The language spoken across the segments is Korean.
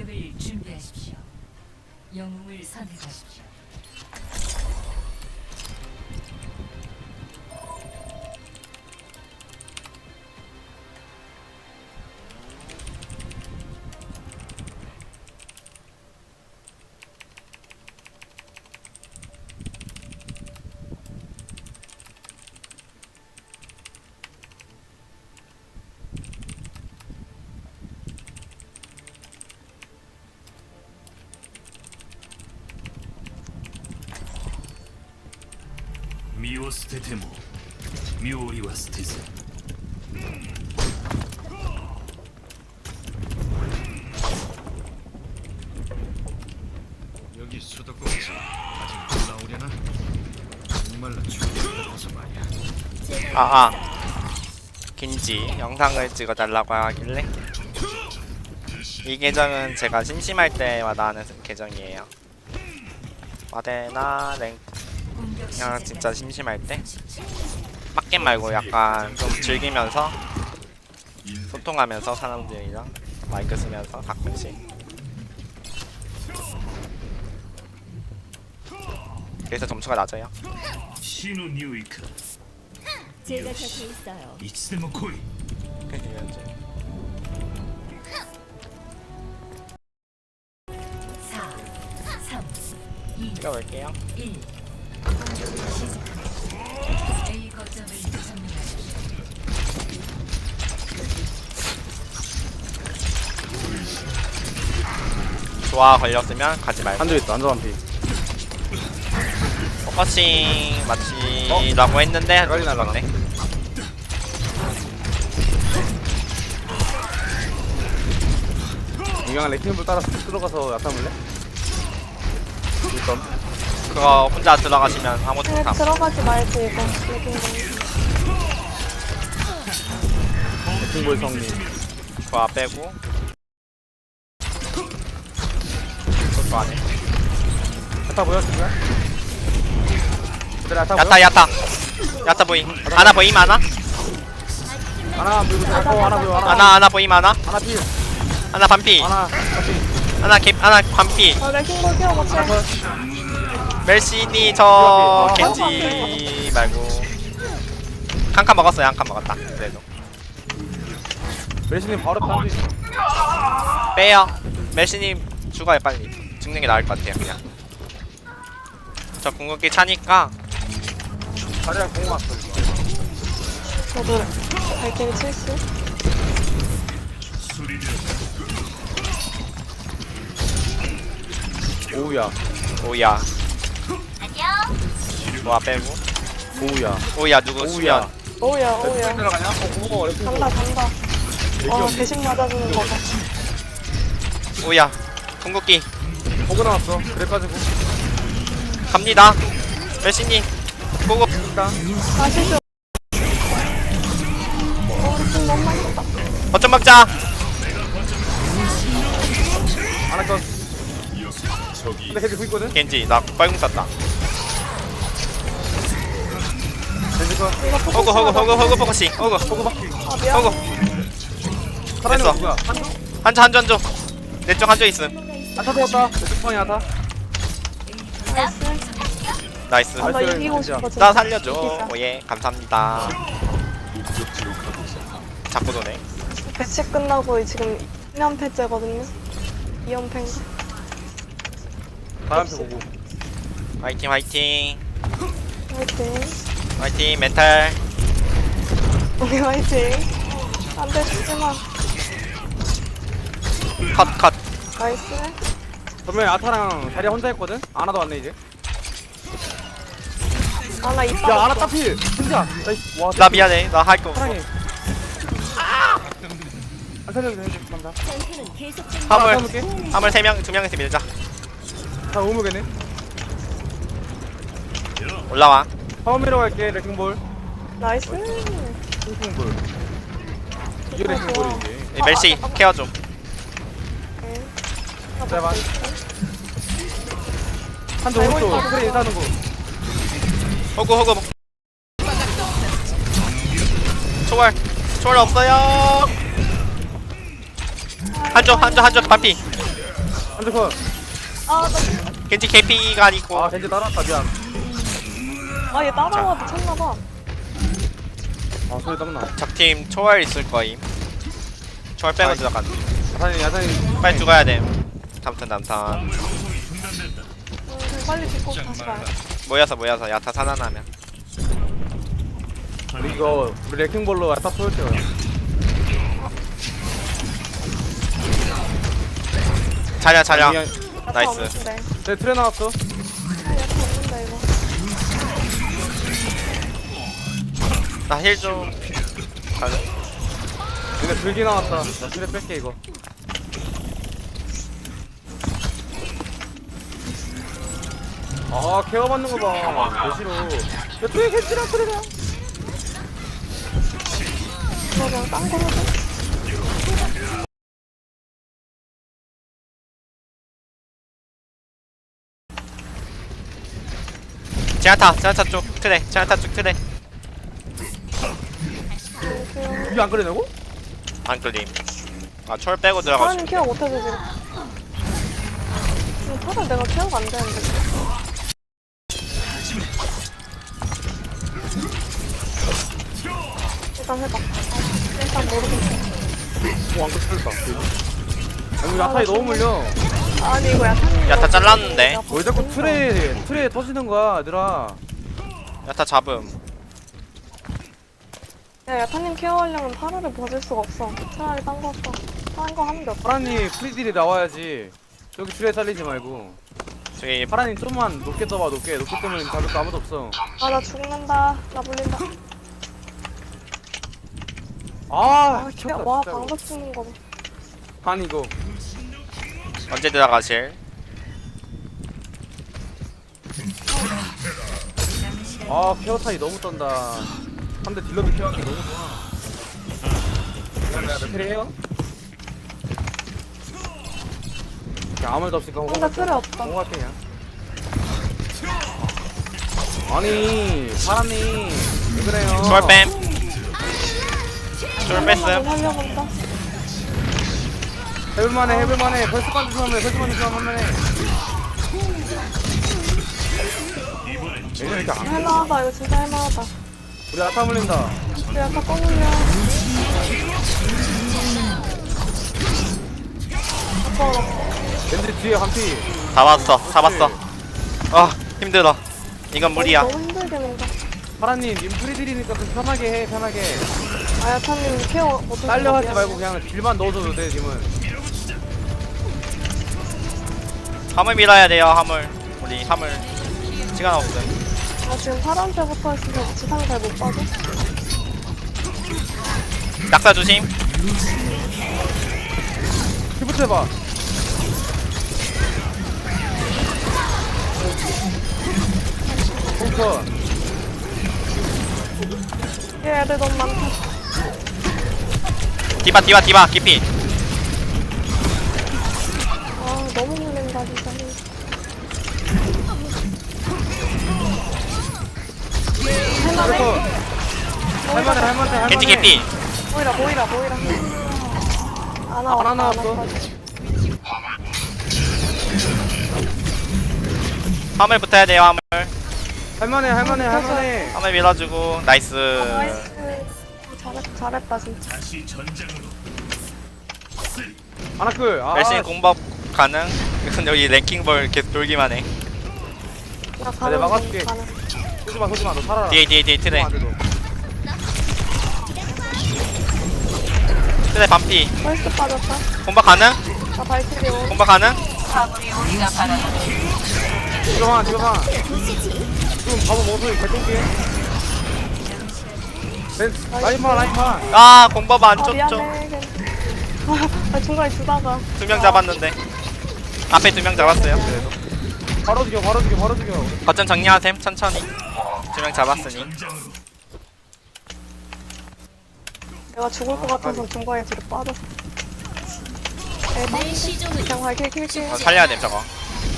공격을 준비하십시오. 영웅을 선택하십시오. 미오 스테테모 미오리와 스테즈 여기 수도꼭지 아직 나오려나? 정말로 죽여서 말이야. 긴지 영상을 찍어달라고 하길래 이 계정은 제가 심심할 때마다 하는 계정이에요. 와데나 랭 그냥 진짜 심심할 때 빡겜 말고 약간 좀 즐기면서 소통하면서 사람들이랑 마이크 쓰면서 가끔씩 그래서 점수가 낮아요. 시노 니우이카 제가 곁에 있어요. 이츠데모 코이 그게 현재 4, 3, 2, 찍어볼게요. 1. 공격을 시작합니다. A 거점을 점령하십시오. 좋아 걸렸으면 가지 말고 한조 있다. 한조 한피. 포커싱 마치라고 했는데 빨리 날라가. 죽었네. 이강한 레킹볼 따라 들어가서 야타물래? 일단 그거 혼자 들어가시면 아무것도 그냥 못함. 들어가지 말지 이거 여기 레킹볼 성님. 그거 빼고 그것도 안해. 야타 보여 지금? 그래 야타 보여? 야타 보임. 아나 보임 아나? 하나 안 보이고 하나 보여 아나 보임 아나? 하나 필 아나 반피. 하나 필 아나 반피. 레킹볼 뛰어봤지? 하나 컷 멜시니 저 겐지 말고 한 칸 먹었어요. 한 칸 먹었다. 그래도 메시님 바로 한조 있어. 빼요. 멜시님 죽어요 빨리. 죽는 게 나을 것 같아요 그냥. 저 궁극기 차니까 자리랑 공 왔어 이거. 저도 발길이 70? 오우야 오야. 좋아 빼고 오우야 오야 누구 오우야. 수면. 오우야 오우야 들어가냐? 고마워 레킹볼. 간다 대신 맞아주는 거봐 오야 궁극기 보고 나왔어. 그래가지고 갑니다. 멜시님 고고. 일단 아시죠? 우리 팀 너무 맛있다 거점 막자. 하나 컷. 근데 겐지 구 있거든? 겐지 나 빨궁 쐈다. 겐지 컷. 호구 포커싱. 호구 보고 바퀴. 아 미안 호구. 살아있는 됐어. 거 누구야? 한조? 한조 내쪽 한조 있음. 아타 되었다. 내 뚜껑이 아타. 나이스 나이스. 아, 나 나이스, 이기고 진짜. 싶어 나 살려줘. 이기자. 오예 감사합니다. 자꾸 도네. 배치 끝나고 지금 2연패째거든요 2연패인가? 다음 편 보고. 화이팅 화이팅 화이팅 화이팅 멘탈. 우리 화이팅 안돼 죽지마 컷. 나이스 그러면 아타랑 자리야 혼자 했거든? 아나도 왔네 이제. 아나 이빨 야 아나 따필. 진짜. 나이스. 와. 나 미안해. 나 할 거 없어. 사랑해. 안 살려도 돼. 감사. 전투는 계속됩니다. 화물 볼게. 화물 3명 2명에서 밀자. 다 오무겠네. 올라와. 파워미러 갈게. 레킹볼. 나이스 레킹볼. 이게 레킹볼이지. 이 멜시 케어 좀. 제발. 한조 알고 오른쪽. 있다. 그래 인사하는 거. 호구 초월 없어요. 한조 반피. 한대 컷. 겐지 KP가 아니고. 아 겐지 따라왔다 미안. 아, 얘 따라와도 쳤나봐. 아 소리 땀나. 적팀 초월 있을 거임. 초월 빼고 들어간. 야산이 빨리 죽어야 돼. 담탄. 빨리 죽고 다시 가요. 모여서 야타 살아나면. 우리 이거 우리 레킹볼로 야타 쏠게요. 자랴. 야타 나이스. 없는데. 내 트레 나왔어. 야타 없는데, 이거. 나 힐 좀. 가자. 얘네 불기 나왔다. 나 트레 뺄게 이거. 아 케어 받는 거 봐. 개 싫어. 야 트레 겐지랑 트레랑. 이거 그냥 딴 거로 해. 제나타 쪽 트레. 제나타 쪽 트레. 이게 안 그래내고? 안 끌림. 아 초월 빼고 들어가지고. 사람이 케어 못해서 지금. 사실 내가 케어가 안 되는데. 일단 해봐. 일단 모르겠어. 오안 그랬다. 아니 야타이 너무 물려. 아니, 이거 야타님. 야타 잘랐는데. 왜 자꾸 트레 터지는 거야 얘들아. 야타 잡음. 야, 야타님 케어하려면 파라를 벗을 수가 없어. 차라리 딴 거 써. 딴 거 하는 게 없어. 파란이 프리딜이 나와야지. 여기 트레 살리지 말고. 저기 파란이 좀만 높게 떠봐 높게 뜨면 잡을 거 아무도 없어. 아, 나 죽는다. 나 물린다. 아 아, 미쳤다 와, 진짜로. 방금 죽는 거 봐. 아니 이거 언제 들어가실? 아 케어 타이 너무 떤다. 3대 딜러도 케어하기 너무 좋아. 야 트레 해요? 야 아무 말도 없으니까 혼자 틀에 없다. 공부할게 그냥. 아니 파란이 왜 그래요? 초월 뺨. 초월 뺐음. 살려본다. 해볼만해 벌써 만든 사람을 할만해. 얘네 이렇게 안 할만하다. 이거 진짜 할만하다. 우리 아타 물린다. 우리 아까 꺼물려. 겐지 뒤에 한피. 잡았어. 힘들어. 이건 무리야. 너무 힘들게 논다. 파란님 님 프리딜이니까 좀 편하게 해 편하게. 아, 야타님 케어 못해서. 딸려 하지 미안해. 말고 그냥 딜만 넣어줘도 돼 지금은. 화물 밀어야 돼요. 화물. 우리 화물. 시간 없음. 나 지금 파란색부터 있어서 지상 잘 못 봐줘. 낙사 조심. 피부터 해봐. 펑커. 얘 애들 너무 많다. 디바 깊이. 아, 너무 물린다, 진짜. 펑커. 할만해. 겐지 깊이. 보이라. 안 나왔어. 화물 붙어야 돼요. 화물. 할만해. 화물 밀어주고. 나이스. 나이스. 잘했다, 진짜. 다시 전장으로. 아나클. 열심히 공법 가능. 이건 여기 랭킹볼 계속 돌기만 해. 나 내가 막아줄게. 가는. 소지마 너 살아라. 뒤에 트레. 안 돼도. 트레 반피. 펄스 빠졌다. 공법 가능? 나 발키리 온. 공법 가능? 지금 지금 바보 모습이 개똥게. 라인만. 아 공법 안 아, 쫓죠. 미안해. 아, 중간에 주다가. 2명 잡았는데. 앞에 2명 잡았어요. 바로 죽여. 거점 정리하셈 천천히. 2명 잡았으니. 내가 죽을 것 같아서 중간에 뒤로 빠졌어. 그냥 발키리 킬게. 살려야 됨 저거.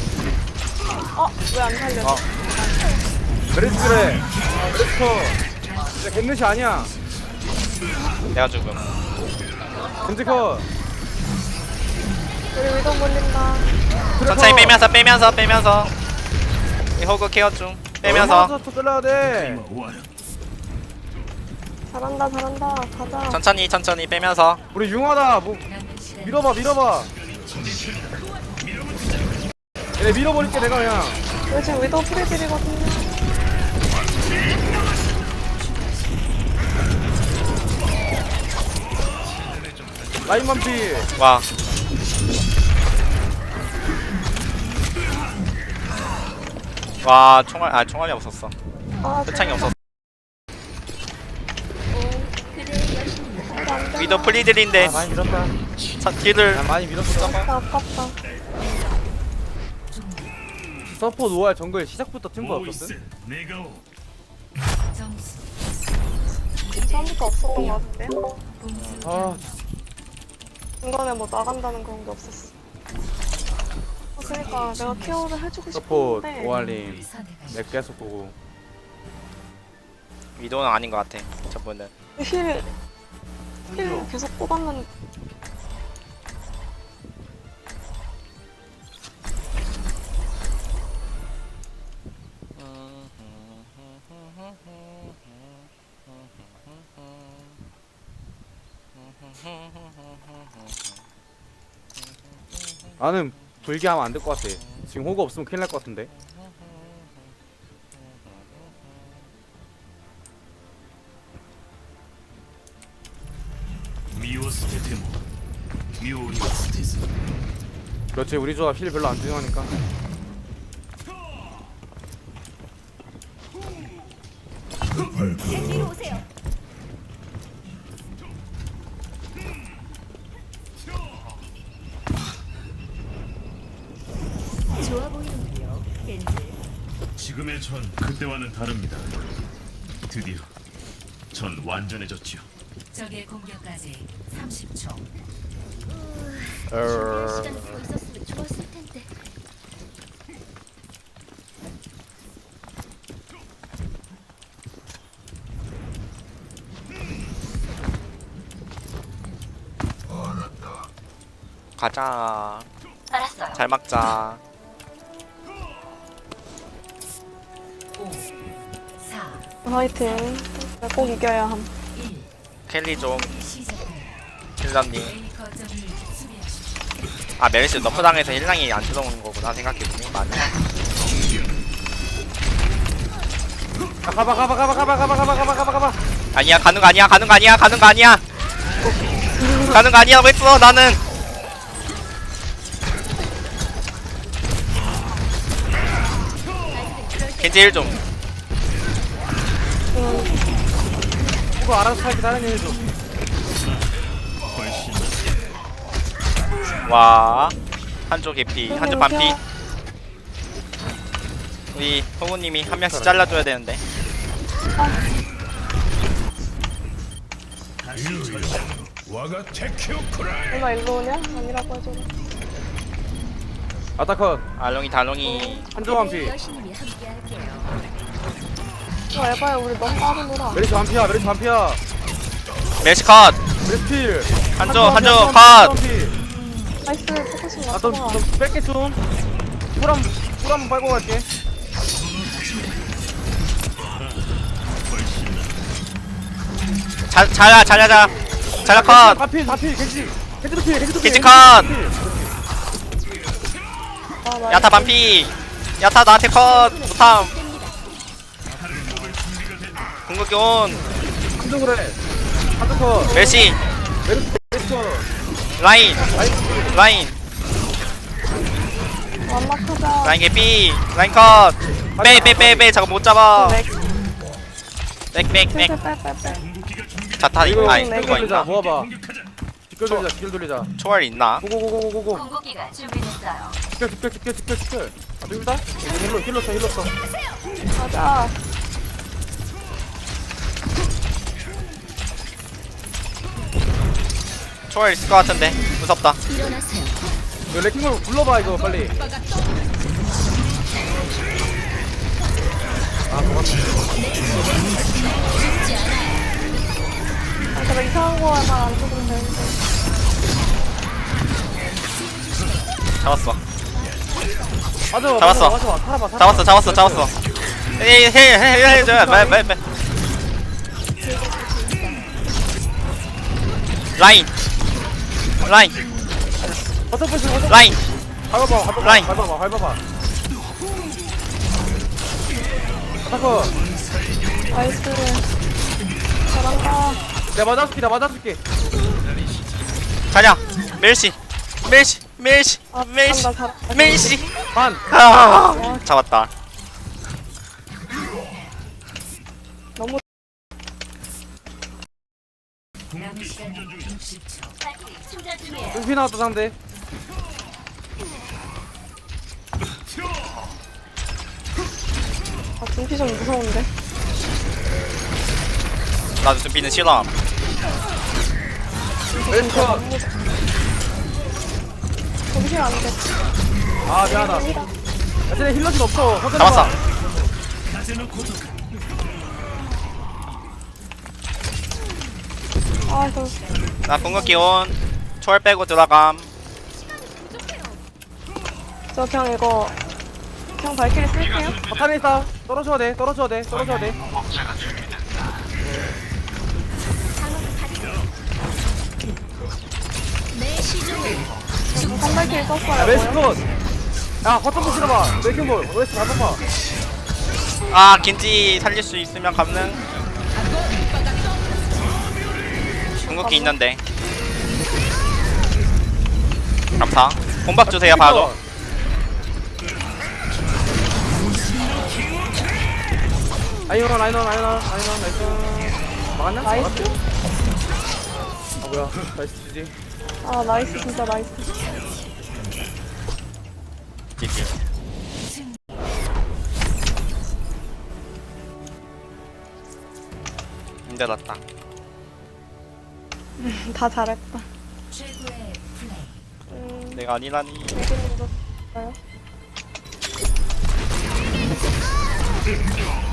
왜 안 살려? 메리스 그래. 메리스커. 진짜 겟넷이 아니야. 내가 죽음. 겐지커. 우리 위도 몰린다. 천천히 빼면서 이 호그 케어 중 빼면서 또 잘라야 돼. 와라. 잘한다. 가자. 천천히 빼면서 우리 융하다. 뭐 남은 시간 밀어봐. 얘네 밀어버릴게 내가 그냥. 여기 지금 위도우 프리딜이거든요. 라인만 피. 와 총알이 없었어. 아, 표창이 없었어. 그대의 여신이 위도 프리들인데 많이 밀었다. 딜을 많이 밀었어. 아깝다. 서포 노알 정글 시작부터 팀버 없었음. 오이스 내가 오. 점수 처음부터 없었던 것 같은데? 공수 아 중간에 뭐 나간다는 그런 게 없었어. 그러니까 내가 케어를 해주고 서포 싶은데 오알님 선택하십시오. 내 계속 보고. 위도는 아닌 것 같아. 저분은 힐 계속 뽑았는데 나는 불기하면 안 될 것 같아. 지금 호구 없으면 큰일 날 것 같은데. 미오스테테모 묘리와 스테즈. 그렇지 우리 조합 힐 별로 안 중요하니까. 제 뒤로 오세요. 좋아 보이는군요, 겐지. 지금의 전 그때와는 다릅니다. 드디어 전 완전해졌지요. 적의 공격까지 30초. 준비할 시간이 더 있었으면 좋았을 텐데. 가자. 알았어요. 잘 막자. 5 4 화이팅. 꼭 이겨야 함. 1 켈리 좀 시작합니다. 힐러님. A 거점을 수비하십시오. 아 메르시 너프 당해서 힐랑이 안 들어오는 거구나 생각해보니 맞네. 아, 가봐. 아니야 가는 거 아니야 왜 써 나는. 겐지 힐 좀. 호구 알아서 살게 다른 일 해줘. 와 한쪽 개피 한쪽 반피. 우리 호구님이 한 명씩 잘라줘야 되는데. 와가 테키오쿠라이. 얼마 일로 오냐? 아니라고 해줘라. 아타컷 알롱이 한조만 피. 그대의 여신님이 함께할게요. 에바야 우리 너무 빠르노라. 메리시 반피야. 메르시 컷. 메리시 필. 한조 컷. 나이스 포커싱 아좀 맞구나. 뺄게 좀. 꿀 한번 빨고 갈게. 잘하자 컷. 다필 겐지도 필. 겐지 컷. 아, 나 야타 반피. 야타 나한테 컷 못함. 궁극기 온. 한조 그래. 한조컷. 메르시 메리시 컷. 라인 완막하자. 라인 개피 라인 컷. 빼 잠깐 못 잡아. 백 빼빼빼빼. 자타 이거 아니 네, 그거 돌리자. 있나? 모아봐. 직결 돌리자. 초월 있나? 고고고고고고. 공격기가 준비됐어요. 직결. 아 저기다. 힐러 써. 가자. 초월 있을 것 같은데 무섭다. 일어나세요. 이거 레킹볼 불러봐 이거 빨리. 아, 제가 이상한 거 하나 안 죽으면 되는데. 잡았어. 맞아. 잡았어. 맞아. 살아봐. 잡았어. 해줘. 말. 라인. 버튼 푸시. 라인. 라인. 밟아봐. 아타커. 나이스. 잘한다. 내가 맞아줄게. 자냐. 멜시. 아, 잘한다. 멜시. 반. 잡았다. 너무 남은 시간 60초. 충전 중이에요. 눈피 나왔다 상대. 아 준피 좀 무서운데. 나도 준비는 싫어. 왼쪽. 준피 안 돼. 아 미안하다. 야 쟤네 힐러진 없어. 허전해 잡았어. 봐. 아 저. 나 궁극기 온. 초월 빼고 들어감. 저 그냥 이거 그냥 발키리 쓸게요. 바탄에 있다. 떨어져야 돼. 한 발키리 썼어요. 웨스트 뭐요? 컷. 야 버튼 푸시 봐. 맥킹볼. 웨스트 밟아봐. 아 겐지 살릴 수 있으면 가능. 궁극기 있는데. 감사. 공박 주세요 바로. 라이언 나이스. 막았냐? 나이스. 아 뭐야. 나이스 주지. 아 나이스 진짜 나이스. GG. 힘들었다. 다 잘했다. 최고의 플레이. 내가 아니라니. 여기는 뭐